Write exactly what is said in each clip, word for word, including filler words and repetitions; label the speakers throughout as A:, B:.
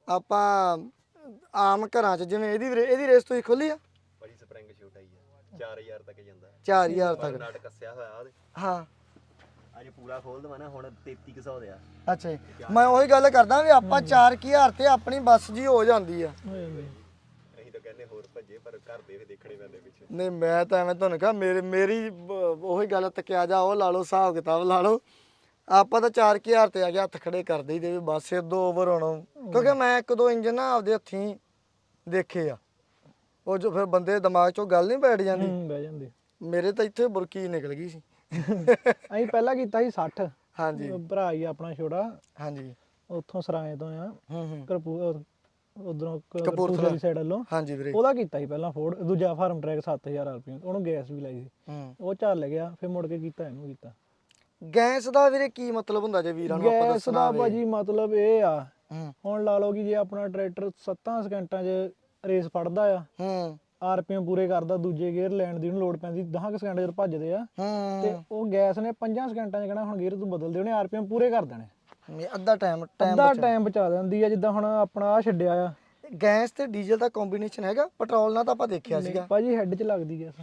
A: ਆਪਾਂ ਆਮ ਘਰਾਂ 'ਚ ਜਿਵੇਂ ਇਹਦੀ ਇਹਦੀ ਰੇਸ ਤੁਸੀਂ ਖੋਲੀ ਆ
B: ਭਾਜੀ ਸਪਰਿੰਗ ਸ਼ੂਟ ਆਈ ਆ ਚਾਰ ਹਜ਼ਾਰ ਤੱਕ ਜਾਂਦਾ
A: ਚਾਰ ਹਜ਼ਾਰ ਤੱਕ
B: ਨਟ ਕੱਸਿਆ ਹੋਇਆ ਉਹਦੇ
A: ਹਾਂ
B: ਅਜੇ ਪੂਰਾ ਖੋਲ ਦਵਾਂ ਨਾ ਹੁਣ ਤੇਤੀ ਕੁ ਸੌ ਦੇ ਆ
A: ਅੱਛਾ ਜੀ ਮੈਂ ਉਹੀ ਗੱਲ ਕਰਦਾ ਵੀ ਆਪਾਂ ਚਾਰ ਹਜ਼ਾਰ ਤੇ ਆਪਣੀ ਬੱਸ ਜੀ ਹੋ ਜਾਂਦੀ ਆ
B: ਅਸੀਂ ਤਾਂ ਕਹਿੰਦੇ ਹੋਰ ਭੱਜੇ ਪਰ ਘਰ ਦੇ ਦੇਖਣੇ ਪੈਂਦੇ ਪਿੱਛੇ
A: ਨਹੀਂ ਮੈਂ ਤਾਂ ਐਵੇਂ ਤੁਹਾਨੂੰ ਕਹਾਂ ਮੇਰੀ ਮੇਰੀ ਉਹੀ ਗੱਲ ਤੱਕਿਆ ਜਾ ਉਹ ਲਾ ਲਓ ਹਿਸਾਬ ਕਿਤਾਬ ਲਾ ਲਓ ਆਪਾਂ ਤਾਂ ਚਾਰ ਹਜ਼ਾਰ ਤੇ ਆ ਗਿਆ ਹੱਥ ਖੜੇ ਕਰਦੇ ਹੀ ਦੇ ਬਸ ਇਦੋਂ ਓਵਰ ਹੋਣਾ ਕਿਉਂਕਿ ਮੈਂ ਇੱਕ ਦੋ ਇੰਜਨ ਨਾ ਆਪਦੇ ਹੱਥੀਂ ਦੇਖੇ ਆ ਉਹ ਜੋ ਫਿਰ ਬੰਦੇ ਦਿਮਾਗ 'ਚੋਂ ਗੱਲ ਨਹੀਂ ਬੈਠ ਜਾਂਦੀ
C: ਬਹਿ ਜਾਂਦੀ
A: ਮੇਰੇ ਤਾਂ ਇੱਥੇ ਬੁਰਕੀ ਨਿਕਲ ਗਈ ਸੀ
C: ਅਸੀਂ ਪਹਿਲਾਂ ਕੀਤਾ ਸੀ ਸੱਠ
A: ਹਾਂਜੀ
C: ਭਰਾ ਹੀ ਆਪਣਾ ਛੋਟਾ
A: ਹਾਂਜੀ
C: ਉੱਥੋਂ ਸਰਾਏ ਤੋਂ ਆ
A: ਹੂੰ ਹੂੰ
C: ਕਰਪੂਰ ਉਧਰੋਂ
A: ਕਪੂਰਥਲਾ
C: ਦੀ ਸਾਈਡ ਵੱਲੋਂ
A: ਹਾਂਜੀ ਵੀਰੇ
C: ਉਹਦਾ ਕੀਤਾ ਸੀ ਪਹਿਲਾਂ ਫੋਰਡ ਦੂਜਾ ਫਾਰਮ ਟਰੈਕ ਸੱਤ ਹਜ਼ਾਰ ਰੁਪਏ ਉਹਨੂੰ ਗੈਸ ਵੀ ਲਾਈ ਸੀ
A: ਹੂੰ
C: ਉਹ ਚੱਲ ਗਿਆ ਫਿਰ ਮੁੜ ਕੇ ਕੀਤਾ ਇਹਨੂੰ ਕੀਤਾ
A: ਗੈਸ ਦਾ ਵੀਰੇ ਕੀ ਮਤਲਬ ਹੁੰਦਾ ਜੇ ਵੀਰਾਂ ਨੂੰ ਆਪਾਂ
C: ਗੈਸ
A: ਦੱਸਣਾ
C: ਦਾ
A: ਹੋਵੇ
C: ਭਾਜੀ ਮਤਲਬ ਇਹ ਆ
A: ਹੂੰ
C: ਹੁਣ ਲਾ ਲਓ ਕਿ ਜੇ ਆਪਣਾ ਟਰੈਕਟਰ ਸੱਤਾਂ ਸਕਿੰਟਾਂ 'ਚ ਰੇਸ ਫੜਦਾ ਆ
A: ਹੂੰ
C: ਆਰਪੀਐਮ ਪੂਰੇ ਕਰਦਾ ਦੂਜੇ ਗੇਅਰ ਲੈਣ ਦੀ ਉਹਨੂੰ ਲੋਡ ਪੈਂਦੀ ਦਸ ਸਕਿੰਟ ਜਦ ਭੱਜਦੇ ਆ ਤੇ
A: ਹੂੰ
C: ਉਹ ਗੈਸ ਨੇ ਪੰਜਾਂ ਸਕਿੰਟਾਂ 'ਚ ਕਹਿਣਾ ਹੁਣ ਗੇਅਰ ਤੂੰ ਬਦਲ ਦੇ ਉਹਨੇ ਆਰਪੀਐਮ ਪੂਰੇ ਕਰ ਦੇਣੇ
A: ਇਹ ਅੱਧਾ ਟਾਈਮ ਟਾਈਮ
C: ਅੱਧਾ ਟਾਈਮ ਬਚਾ ਦਿੰਦੀ ਆ ਜਿੱਦਾਂ ਹੁਣ ਆਪਣਾ ਆ ਛੱਡਿਆ ਆ
A: ਗੈਸ ਤੇ ਡੀਜ਼ਲ ਦਾ ਕੰਬੀਨੇਸ਼ਨ ਹੈਗਾ ਪੈਟਰੋਲ ਨਾਲ ਤਾਂ ਆਪਾਂ ਦੇਖਿਆ ਸੀਗਾ
C: ਭਾਜੀ ਹੈੱਡ 'ਚ ਲੱਗਦੀ ਗੈਸ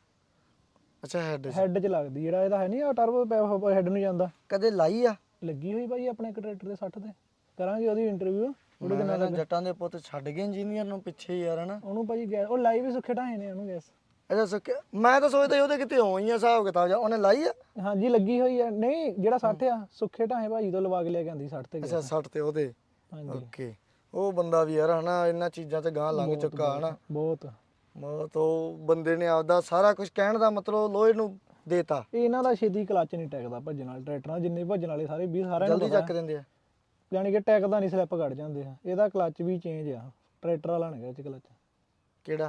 A: ਅੱਛਾ ਹੈਡ
C: ਹੈੱਡ 'ਚ ਲੱਗਦੀ ਜਿਹੜਾ ਇਹਦਾ ਹੈ ਨਹੀਂ ਆ ਟਰਬੋ ਹੈੱਡ ਨੂੰ ਜਾਂਦਾ
A: ਕਦੇ ਲਾਈ ਆ
C: ਲੱਗੀ ਹੋਈ ਭਾਜੀ ਆਪਣੇ ਇੱਕ ਟਰੈਕਟਰ ਦੇ ਸੱਠ ਤੇ ਕਰਾਂਗੇ ਉਹਦੀ ਇੰਟਰਵਿਊ ਉਹਦੇ
A: ਮੈਂ ਨਾ ਜੱਟਾਂ ਦੇ ਪੁੱਤ ਛੱਡ ਗਏ ਇੰਜੀਨੀਅਰ ਨੂੰ ਪਿੱਛੇ ਯਾਰ ਹਨਾ
C: ਉਹਨੂੰ ਭਾਜੀ ਗੈਸ ਉਹ ਲਾਈ ਵੀ ਸੁੱਖੇ ਢਾਏ ਨੇ ਉਹਨੂੰ ਗੈਸ
A: ਅੱਛਾ ਸੁੱਕ ਮੈਂ ਤਾਂ ਸੋਚਦਾ ਸੀ ਉਹਦੇ ਕਿਤੇ ਹੋਈ ਆ ਹਿਸਾਬ ਕਿਤਾਬ ਜਾਂ ਉਹਨੇ ਲਾਈ ਆ
C: ਹਾਂਜੀ ਲੱਗੀ ਹੋਈ ਆ ਨਹੀਂ ਜਿਹੜਾ ਸੱਠ ਆ ਸੁੱਖੇ ਢਾਏ ਭਾਜੀ ਤੋਂ ਲਵਾ ਕੇ ਲੈ ਕੇ ਆਂਦੀ ਸੱਠ ਤੇ
A: ਅੱਛਾ ਸੱਠ ਤੇ ਉਹਦੇ
C: ਹਾਂਜੀ
A: ਓਕੇ ਉਹ ਬੰਦਾ ਵੀ ਯਾਰ ਹਨਾ ਇਹਨਾਂ ਚੀਜ਼ਾਂ ਤੇ ਗਾਂ ਲੰਘ ਚੁੱਕਾ ਹਨਾ
C: ਬਹੁਤ
A: ਬਹੁਤ ਉਹ ਬੰਦੇ ਨੇ ਆਪਦਾ ਸਾਰਾ ਕੁਝ ਕਹਿਣ ਦਾ ਮਤਲਬ ਲੋਹੇ ਨੂੰ ਦੇਤਾ
C: ਇਹ ਇਹਨਾਂ ਦਾ ਛੇਤੀ ਕਲੱਚ ਨਹੀਂ ਟੈਕਦਾ ਭੱਜਣ ਵਾਲੇ ਟਰੈਕਟਰਾਂ ਜਿੰਨੇ ਭੱਜਣ ਵਾਲੇ ਸਾਰੇ ਵੀਹ ਸਾਰਿਆਂ ਨੂੰ
A: ਜਲਦੀ ਚੱਕ ਦਿੰਦੇ ਆ
C: ਯਾਨੀ ਕਿ ਟੈਕਦਾ ਨਹੀਂ ਸਲਿੱਪ ਕੱਢ ਜਾਂਦੇ ਆ ਇਹਦਾ ਕਲੱਚ ਵੀ ਚੇਂਜ ਆ ਟਰੈਕਟਰ ਵਾਲਾ ਨਹੀਂ ਇਹ ਚ ਕਲੱਚ
A: ਕਿਹੜਾ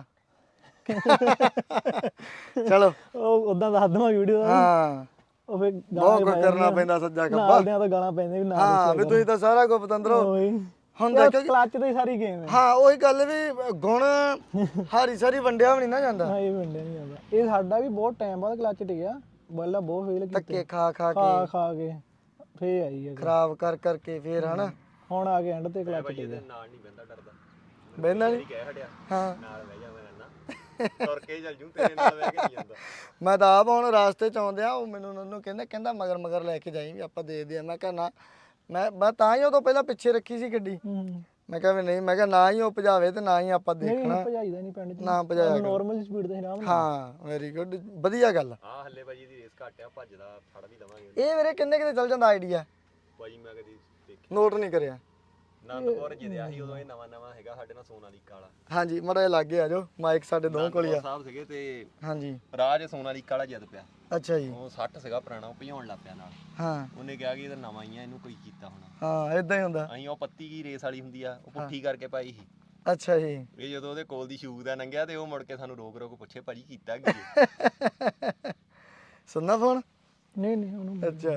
A: ਚਲੋ
C: ਉਹ ਉਦਾਂ ਦੱਸ ਦਵਾਂ ਵੀਡੀਓ ਦਾ
A: ਹਾਂ
C: ਉਹ ਫੇ
A: ਬਹੁਤ ਕੁਝ ਕਰਨਾ ਪੈਂਦਾ ਸੱਜਾ ਖੱਬਾ
C: ਨਾਲਦਿਆਂ ਤੋਂ ਗਾਲਾਂ ਪੈਂਦੀਆਂ ਵੀ ਨਾਲ
A: ਹਾਂ ਵੀ ਤੁਸੀਂ ਤਾਂ ਸਾਰਾ ਕੁਝ ਪਤੰਦਰੋ
C: ਹੁੰਦਾ ਕਿ ਕਲੱਚ ਦੀ ਸਾਰੀ ਗੇਮ ਹੈ
A: ਹਾਂ ਉਹੀ ਗੱਲ ਵੀ ਗੁਣ ਹਾਰੀ ਸਾਰੀ ਵੰਡਿਆ ਵੀ ਨਹੀਂ ਨਾ ਜਾਂਦਾ
C: ਹਾਂ ਇਹ ਵੰਡਿਆ ਨਹੀਂ ਜਾਂਦਾ ਇਹ ਸਾਡਾ ਵੀ ਬਹੁਤ ਟਾਈਮ ਬਾਅਦ ਕਲੱਚ ਟਿਕਿਆ ਪਹਿਲਾਂ ਬਹੁਤ ਫੇਲ ਕੀਤਾ
A: ਧੱਕੇ ਖਾ ਖਾ
C: ਖਾ
A: ਕੇ
C: ਖਾ ਕੇ ਫੇ ਆਈ ਹੈ
A: ਖਰਾਬ ਕਰ ਕਰਕੇ ਫੇਰ ਹਨਾ
C: ਹੁਣ ਆ ਕੇ ਐਂਡ ਤੇ ਕਲੱਚ ਟਿਕਿਆ
B: ਨਾਲ ਨਹੀਂ ਬੰਦਾ ਡਰਦਾ
A: ਬਹਿੰਦਾ ਨਹੀਂ
B: ਕਹਿ ਹਟਿਆ
A: ਹਾਂ
B: ਨਾਲ ਬਹਿ ਜਾ ਮੈਂ ਰਹਿਣਾ ਤੁਰ ਕੇ ਚੱਲ ਜੂ ਤੇਰੇ ਨਾਲ ਬਹਿ ਕੇ ਨਹੀਂ ਜਾਂਦਾ
A: ਮੈਂ ਤਾਂ ਆਪ ਹੁਣ ਰਾਸਤੇ ਚ ਆਉਂਦਿਆ ਉਹ ਮੈਨੂੰ ਉਹਨੂੰ ਕਹਿੰਦਾ ਕਹਿੰਦਾ ਮਗਰ ਮਗਰ ਲੈ ਕੇ ਜਾਈਂ ਵੀ ਆਪਾਂ ਦੇਖਦੇ ਆ ਮੈਂ ਕਿਹਾ ਨਾ ਮੈਂ ਮੈਂ ਤਾਂ ਹੀ ਉਹ ਤੋਂ ਪਹਿਲਾਂ ਪਿੱਛੇ ਰੱਖੀ ਸੀ ਗੱਡੀ ਮੈਂ ਕਿਹਾ ਵੀ ਨਹੀਂ ਮੈਂ ਕਿਹਾ ਨਾ ਹੀ ਉਹ ਭਜਾਵੇ ਤੇ ਨਾ ਹੀ ਆਪਾਂ ਦੇਖਣਾ
C: ਨਹੀਂ ਭਜਾਈਦਾ ਨਹੀਂ ਪਿੰਡ ਚ
A: ਨਾ ਭਜਾਇਆ
C: ਨਾਰਮਲ ਸਪੀਡ ਤੇ ਹਰਾਮ
A: ਹਾਂ ਵੈਰੀ ਗੁੱਡ ਵਧੀਆ ਗੱਲ
B: ਹਾਂ ਹੱਲੇ ਭਾਜੀ ਦੀ ਰੇਸ ਘੱਟ ਆ ਭੱਜਦਾ ਫੜ ਵੀ ਦਵਾਂਗੇ
A: ਇਹ ਵੀਰੇ ਕਿੰਨੇ ਕਿਤੇ ਚੱਲ ਜਾਂਦਾ ਆਈਡੀਆ
B: ਭਾਜੀ ਮੈਂ ਕਦੀ ਦੇਖਿਆ
A: ਨੋਟ ਨਹੀਂ ਕਰਿਆ
B: ਨੰਦਪੁਰ ਜਿੱਦਿਆ ਸੀ ਉਦੋਂ ਇਹ ਨਵਾਂ ਨਵਾਂ ਹੈਗਾ ਸਾਡੇ ਨਾਲ ਸੋਨਾਲੀਕਾ ਵਾਲਾ
A: ਹਾਂਜੀ ਮੜਾ ਲਾਗੇ ਆ ਜਾਓ ਮਾਈਕ ਸਾਡੇ ਦੋ ਕੋਲ ਹੀ ਆ
B: ਸਾਹਿਬ ਸੀਗੇ ਤੇ
A: ਹਾਂਜੀ
B: ਰਾਜ ਸੋਨਾਲੀਕਾ ਵਾਲਾ ਜਿੱਦ ਪਿਆ
A: ਅੱਛਾ ਜੀ
B: ਉਹ ਸੱਠ ਸੀਗਾ ਪੁਰਾਣਾ ਉਹ ਭਜਾਉਣ ਲੱਗ ਪਿਆ ਨਾਲ
A: ਹਾਂ
B: ਉਹਨੇ ਕਿਹਾ ਕਿ ਇਹ ਤਾਂ ਨਵਾਂ ਹੀ ਆ ਇਹਨੂੰ ਕੋਈ ਕੀਤਾ ਹੋਣਾ
A: ਹਾਂ ਇਦਾਂ ਹੀ ਹੁੰਦਾ
B: ਅਸੀਂ ਉਹ ਪੱਤੀ ਕੀ ਰੇਸ ਵਾਲੀ ਹੁੰਦੀ ਆ ਉਹ ਪੁੱਠੀ ਕਰਕੇ ਪਾਈ ਸੀ
A: ਅੱਛਾ ਜੀ
B: ਇਹ ਜਦੋਂ ਉਹਦੇ ਕੋਲ ਦੀ ਸ਼ੂਕ ਦਾ ਲੰਘਿਆ ਤੇ ਉਹ ਮੁੜ ਕੇ ਸਾਨੂੰ ਰੋਕ ਰੋਕ ਪੁੱਛੇ ਭਾਜੀ ਕੀਤਾ ਕੀ ਹੈ
A: ਸੁਣਨਾ ਫੋਨ
C: ਨਹੀਂ ਨਹੀਂ ਉਹਨੂੰ
A: ਅੱਛਾ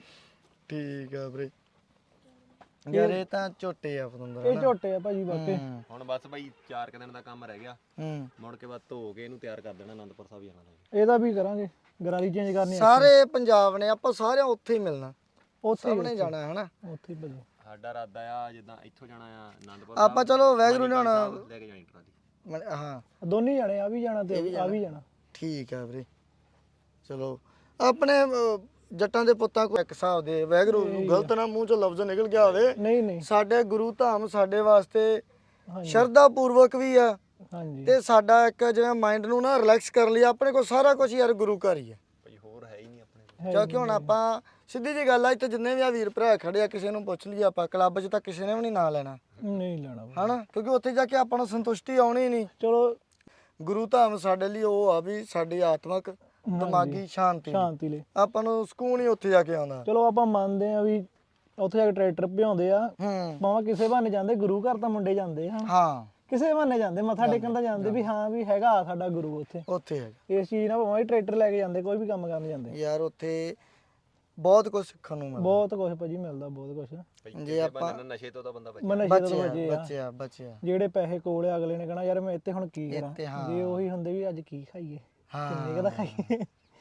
A: ਠੀਕ ਆ ਵੀਰੇ ਯਾਰ ਇਹ ਤਾਂ ਝੋਟੇ ਆ ਪਤੰਦਰ
C: ਇਹ ਝੋਟੇ ਆ ਭਾਜੀ ਬਾਪੇ
B: ਹੁਣ ਬਸ ਭਾਈ ਚਾਰ ਕੁ ਦਿਨ ਦਾ ਕੰਮ ਰਹਿ ਗਿਆ
A: ਹੂੰ
B: ਮੁੜ ਕੇ ਬਾਅਦ ਧੋ ਕੇ ਇਹਨੂੰ ਤਿਆਰ ਕਰ ਦੇਣਾ ਆਨੰਦਪੁਰ ਸਾਹਿਬ ਜਾਣਾ
C: ਇਹਦਾ ਵੀ ਕਰਾਂਗੇ ਗਰਾਰੀ ਚੇਂਜ ਕਰਨੀ ਆ
A: ਸਾਰੇ ਪੰਜਾਬ ਨੇ ਆਪਾਂ ਸਾਰਿਆਂ ਉੱਥੇ ਹੀ ਮਿਲਣਾ
C: ਉੱਥੇ
A: ਸਭ ਨੇ ਜਾਣਾ ਹੈ ਹਨਾ
C: ਉੱਥੇ ਹੀ ਭਾਜੀ
B: ਸਾਡਾ ਇਰਾਦਾ ਆ ਜਿੱਦਾਂ ਇੱਥੋਂ ਜਾਣਾ ਆ ਆਨੰਦਪੁਰ
A: ਆਪਾਂ ਚਲੋ ਵੈਗਰੂ ਨੇ ਹੁਣ
B: ਲੈ ਕੇ ਜਾਣੀ ਟਰਾਲੀ
A: ਮਨ- ਹਾਂ
C: ਦੋਨੇ ਜਾਣੇ ਆ ਵੀ ਜਾਣਾ ਤੇ ਆ ਵੀ ਜਾਣਾ
A: ਠੀਕ ਆ ਵੀਰੇ ਚਲੋ ਆਪਣੇ ਅਹ, ਜੱਟਾਂ ਦੇ ਪੁੱਤਾਂ ਕੋਲ ਇੱਕ ਹਿਸਾਬ ਦੇ ਵੈਗਰੂ ਗਲਤ ਨਾ ਮੂੰਹ ਚੋਂ ਲਫ਼ਜ਼ ਨਿਕਲ ਗਿਆ ਹੋਵੇ
C: ਨਹੀਂ ਨਹੀਂ
A: ਸਾਡੇ ਗੁਰੂ ਧਾਮ ਸਾਡੇ ਵਾਸਤੇ
C: ਹਾਂਜੀ
A: ਸ਼ਰਧਾ ਪੂਰਵਕ ਵੀ ਆ
C: ਹਾਂਜੀ
A: ਤੇ ਸਾਡਾ ਇੱਕ ਜਿਵੇਂ ਮਾਈਂਡ ਨੂੰ ਨਾ ਰਿਲੈਕਸ ਕਰਨ ਲਈ ਆਪਣੇ ਕੋਲ ਸਾਰਾ ਕੁਝ ਯਾਰ ਗੁਰੂ ਘਰ ਹੀ ਆ
B: ਭਾਈ ਹੋਰ ਹੈ ਹੀ ਨਹੀਂ ਆਪਣੇ ਕੋਲ
A: ਕਿਉਂਕਿ ਹੁਣ ਆਪਾਂ ਸਿੱਧੀ ਜੀ ਗੱਲ ਆ ਇੱਥੇ ਜਿੰਨੇ ਵੀ ਆ ਵੀਰ ਭਰਾ ਖੜੇ ਆ ਕਿਸੇ ਨੂੰ ਪੁੱਛ ਲਈ ਆਪਾਂ ਕਲੱਬ 'ਚ ਤਾਂ ਕਿਸੇ ਨੇ ਵੀ ਨਹੀਂ ਨਾਂ ਲੈਣਾ
C: ਨਹੀਂ ਲੈਣਾ ਭਾਜੀ।
A: ਹਨਾ ਕਿਉਂਕਿ ਉੱਥੇ ਜਾ ਕੇ ਆਪਾਂ ਨੂੰ ਸੰਤੁਸ਼ਟੀ ਆਉਣੀ ਨਹੀਂ
C: ਚਲੋ
A: ਗੁਰੂ ਧਾਮ ਸਾਡੇ ਲਈ ਉਹ ਆ ਵੀ ਸਾਡੀ ਆਤਮਿਕ ਦਿਮਾਗੀ ਸ਼ਾਂਤੀ
C: ਸ਼ਾਂਤੀ ਲਈ
A: ਆਪਾਂ ਨੂੰ ਸਕੂਨ ਹੀ ਉੱਥੇ ਜਾ ਕੇ ਆਉਂਦਾ
C: ਚਲੋ ਆਪਾਂ ਮੰਨਦੇ ਆ ਵੀ ਉੱਥੇ ਜਾ ਕੇ ਟਰੈਕਟਰ ਭਿਆਉਂਦੇ ਆ
A: ਹੂੰ
C: ਭਾਵੇਂ ਕਿਸੇ ਬਹਾਨੇ ਜਾਂਦੇ ਗੁਰੂ ਘਰ ਤਾਂ ਮੁੰਡੇ ਜਾਂਦੇ ਆ
A: ਹਾਂ
C: ਕਿਸੇ ਬਹਾਨੇ ਜਾਂਦੇ ਮੱਥਾ ਟੇਕਣ ਤਾਂ ਜਾਂਦੇ ਵੀ ਹਾਂ ਵੀ ਹੈਗਾ ਆ ਸਾਡਾ ਗੁਰੂ ਉੱਥੇ
A: ਉੱਥੇ ਹੈਗਾ
C: ਇਸ ਚੀਜ਼ ਨਾਲ ਭਾਵੇਂ ਟਰੈਕਟਰ ਲੈ ਕੇ ਜਾਂਦੇ ਕੋਈ ਵੀ ਕੰਮ ਕਰਨ ਜਾਂਦੇ
A: ਯਾਰ ਉੱਥੇ ਬਹੁਤ ਕੁਝ ਸਿੱਖਣ ਨੂੰ ਮਿਲਦਾ
C: ਬਹੁਤ ਕੁਝ ਭਾਜੀ ਮਿਲਦਾ ਬਹੁਤ ਕੁਝ
B: ਜੇ ਆਪਾਂ ਨਸ਼ੇ ਤੋਂ ਤਾਂ ਬੰਦਾ ਬਚੇ
C: ਮੈਂ ਨਸ਼ੇ ਤੋਂ
A: ਬਚਿਆ
C: ਬਚੇ ਆ
A: ਬਚਿਆ ਬਚਿਆ
C: ਜਿਹੜੇ ਪੈਸੇ ਕੋਲ ਆ ਅਗਲੇ ਨੇ ਕਹਣਾ ਯਾਰ ਮੈਂ ਇੱਥੇ ਹੁਣ ਕੀ
A: ਇੱਥੇ
C: ਕਰਾਂ
A: ਹਾਂ।
C: ਜੇ ਉਹੀ ਹੁੰਦੇ ਵੀ ਅੱਜ ਕੀ ਖਾਈਏ
A: ਹਾਂ।
C: ਕਿੰਨੇ ਕੁ ਦਾ ਖਾਈਏ